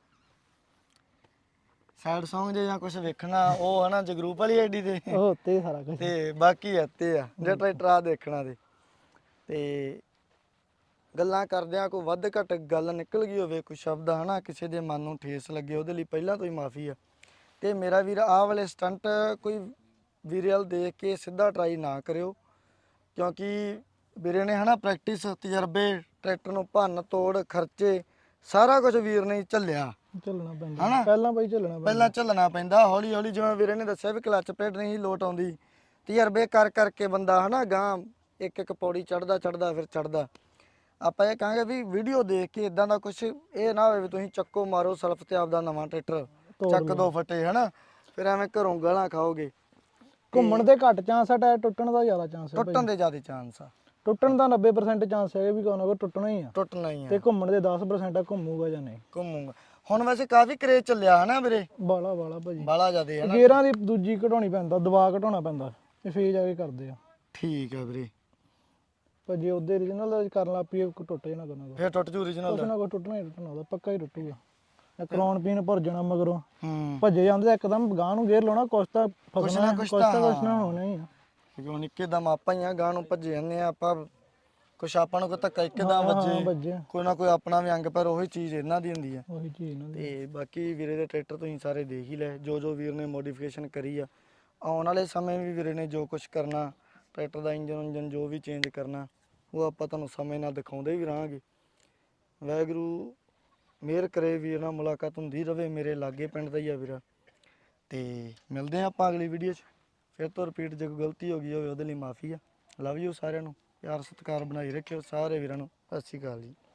A: ਸੈਡ Song ਜੇ ਜਾਂ ਕੁਝ ਵੇਖਣਾ ਉਹ ਹਨਾ ਜਗਰੂਪ ਵਾਲੀ ਆਈਡੀ ਤੇ,
C: ਉਹ ਉੱਤੇ ਸਾਰਾ ਕੁਝ।
A: ਤੇ ਬਾਕੀ ਇੱਥੇ ਆ ਜੇ ਟਰੈਕਟਰ ਆ ਦੇਖਣਾ ਤੇ ਤੇ ਗੱਲਾਂ ਕਰਦਿਆਂ ਕੋਈ ਵੱਧ ਘੱਟ ਗੱਲ ਨਿਕਲ ਗਈ ਹੋਵੇ ਕੋਈ ਸ਼ਬਦ ਹਨਾ ਕਿਸੇ ਦੇ ਮਨ ਨੂੰ ਠੇਸ ਲੱਗੇ ਉਹਦੇ ਲਈ ਪਹਿਲਾਂ ਤੋਂ ਹੀ ਮਾਫੀ ਆ। ਤੇ ਮੇਰਾ ਵੀਰ ਆਹ ਵਾਲੇ ਸਟੰਟ ਕੋਈ ਵੀਰਲ ਦੇਖ ਕੇ ਸਿੱਧਾ ਟਰਾਈ ਨਾ ਕਰਿਓ, ਕਿਉਂਕਿ ਵੀਰੇ ਨੇ ਹਨਾ ਪ੍ਰੈਕਟਿਸ ਤਜਰਬੇ ਟਰੈਕਟਰ ਨੂੰ ਭੰਨ ਤੋੜ ਖਰਚੇ ਸਾਰਾ ਕੁਝ ਵੀਰ ਨੇ ਝੱਲਿਆ,
C: ਚੱਲਣਾ ਪੈਂਦਾ
A: ਹਨਾ?
C: ਪਹਿਲਾਂ ਭਾਈ ਚੱਲਣਾ ਪੈਂਦਾ।
A: ਪਹਿਲਾਂ ਝੱਲਣਾ ਪੈਂਦਾ ਹੌਲੀ ਹੌਲੀ, ਜਿਵੇਂ ਵੀਰੇ ਨੇ ਦੱਸਿਆ ਵੀ ਕਲੱਚ ਪਲੇਟ ਨਹੀਂ ਲੋਟ ਆਉਂਦੀ, ਤਜਰਬੇ ਕਰ ਕਰਕੇ ਬੰਦਾ ਹਨਾ ਗਾਂ ਇੱਕ ਇੱਕ ਪੌੜੀ ਚੜਦਾ ਚੜਦਾ ਫਿਰ ਚੜਦਾ। ਆਪਾਂ ਇਹ ਕਹਾਂਗੇ ਵੀ ਵੀਡੀਓ ਦੇਖ ਕੇ ਇਦਾਂ ਦਾ ਕੁਝ ਇਹ ਨਾ ਹੋਵੇ ਵੀ ਤੁਸੀਂ ਚੱਕੋ ਮਾਰੋ ਸਲਫ ਤੇ ਆਪਦਾ ਨਵਾਂ ਟਰੈਕਟਰ ਚੱਕ ਦੋ ਫੱਟੇ ਹਨਾ, ਫਿਰ ਐਵੇਂ ਘਰੋਂ ਗਾਲਾਂ ਖਾਓਗੇ।
C: ਘੁੰਮਣ ਦੇ ਘੱਟ ਚਾਂਸ ਆ, ਟਾਇਰ ਟੁੱਟਣ ਦਾ ਜ਼ਿਆਦਾ ਚਾਂਸ ਹੈ।
A: ਟੁੱਟਣ ਦੇ ਜ਼ਿਆਦਾ ਚਾਂਸ ਆ,
C: ਟੁੱਟਣ ਦਾ ਨੱਬੇ ਪ੍ਰਸੈਂਟ ਚਾਂਸ ਹੈ ਵੀ ਕੋਈ ਨਾ ਕੋਈ ਟੁੱਟਣਾ ਹੀ ਆ,
A: ਟੁੱਟਣਾ ਹੀ
C: ਤੇ
A: ਆ,
C: ਘੁੰਮਣ ਦੇ ਦਸ ਪ੍ਰਸੈਂਟ ਆ ਘੁੰਮੂਗਾ ਜਾਂ ਨਹੀਂ।
A: ਘੁੰਮੂਗਾ। ਹੁਣ ਵੈਸੇ ਕਾਫੀ ਕਰੇਜ ਚੱਲਿਆ ਹਨਾ ਵੀਰੇ,
C: ਬਾਲਾ ਬਾਲਾ ਭਾਜੀ।
A: ਬਾਲਾ ਜ਼ਿਆਦੇ ਹਨਾ?
C: ਗੇਅਰਾਂ ਦੀ ਦੂਜੀ ਘਟਾਉਣੀ ਪੈਂਦਾ, ਦਬਾ ਘਟਾਉਣਾ ਪੈਂਦਾ, ਇਹ ਫੇਜ ਆ ਕੇ ਕਰਦੇ ਆ।
A: ਠੀਕ ਆ ਵੀਰੇ।
C: ਪਰ ਜੇ ਉਹਦੇ ਓਰੀਜਨਲ ਕਰਨ ਲੱਗ ਪਈਏ ਟੁੱਟ ਜਾਣਾ ਕਰਨਾ,
A: ਫਿਰ ਟੁੱਟ ਜੂ original
C: ਕੁਛ
A: ਦਾ?
C: ਨਾ ਕੁਛ ਟੁੱਟਣਾ ਹੀ ਟੁੱਟਣਾ, ਉਹਦਾ ਪੱਕਾ ਹੀ ਟੁੱਟੂਗਾ। ਕਰਾਉਣ ਪੀਣ ਭਰ ਜਾਣਾ ਮਗਰੋਂ,
A: ਹੂੰ।
C: ਭੱਜੇ ਜਾਂਦੇ ਇੱਕਦਮ ਗਾਂ ਨੂੰ ਗੇਅਰ ਲਾਉਣਾ, ਕੁਛ ਤਾਂ ਫਸਣਾ,
A: ਕੁਛ
C: ਕੁਛ
A: ਤਾਂ
C: ਤਾਂ ਕੁਛ ਨਾ ਹੋਣਾ ਹੀ ਆ।
A: ਕਿਉਂਕਿ ਹੁਣ ਇੱਕੇ ਦਮ ਆਪਾਂ ਹੀ ਆ ਗਾਂ ਨੂੰ ਭੱਜੇ ਜਾਂਦੇ ਆ ਆਪਾਂ, ਕੁਛ ਆਪਾਂ ਨੂੰ ਕੋਈ ਧੱਕਾ ਇੱਕਦਮ
C: ਹਾਂ,
A: ਵੱਜੇ
C: ਵੱਜੇ
A: ਕੋਈ ਨਾ ਕੋਈ ਆਪਣਾ ਵੀ ਅੰਗ, ਪਰ ਉਹੀ ਚੀਜ਼ ਇਹਨਾਂ ਦੀ ਹੁੰਦੀ ਆ।
C: ਉਹੀ ਚੀਜ਼ ਇਹਨਾਂ ਦੀ।
A: ਤੇ ਬਾਕੀ ਵੀਰੇ ਦੇ ਟਰੈਕਟਰ ਤੁਸੀਂ ਸਾਰੇ ਦੇਖ ਹੀ ਲਏ, ਜੋ ਜੋ ਵੀਰ ਨੇ ਮੋਡੀਫਿਕੇਸ਼ਨ ਕਰੀ ਆ। ਆਉਣ ਵਾਲੇ ਸਮੇਂ ਵੀ ਵੀਰੇ ਨੇ ਜੋ ਕੁਝ ਕਰਨਾ ਟਰੈਕਟਰ ਦਾ ਇੰਜਨ ਉਂਜਨ ਜੋ ਵੀ ਚੇਂਜ ਕਰਨਾ ਉਹ ਆਪਾਂ ਤੁਹਾਨੂੰ ਸਮੇਂ ਨਾਲ ਦਿਖਾਉਂਦੇ ਵੀ ਰਹਾਂਗੇ। ਵਾਹਿਗੁਰੂ ਮਿਹਰ ਕਰੇ, ਵੀਰ ਨਾਲ ਮੁਲਾਕਾਤ ਹੁੰਦੀ ਰਵੇ, ਮੇਰੇ ਲਾਗੇ ਪਿੰਡ ਦਾ ਹੀ ਆ ਵੀਰਾ। ਤੇ ਮਿਲਦੇ ਆ ਆਪਾਂ ਅਗਲੀ ਵੀਡੀਓ 'ਚ ਫਿਰ ਤੋਂ ਰਿਪੀਟ, ਜੇ ਕੋਈ ਗਲਤੀ ਹੋ ਗਈ ਹੋਵੇ ਉਹਦੇ ਲਈ ਮਾਫੀ ਆ। ਲਵ ਯੂ ਸਾਰਿਆਂ ਨੂੰ, ਪਿਆਰ ਸਤਿਕਾਰ ਬਣਾਈ ਰੱਖਿਓ ਸਾਰੇ ਵੀਰਾਂ ਨੂੰ। ਸਤਿ ਸ਼੍ਰੀ ਅਕਾਲ ਜੀ।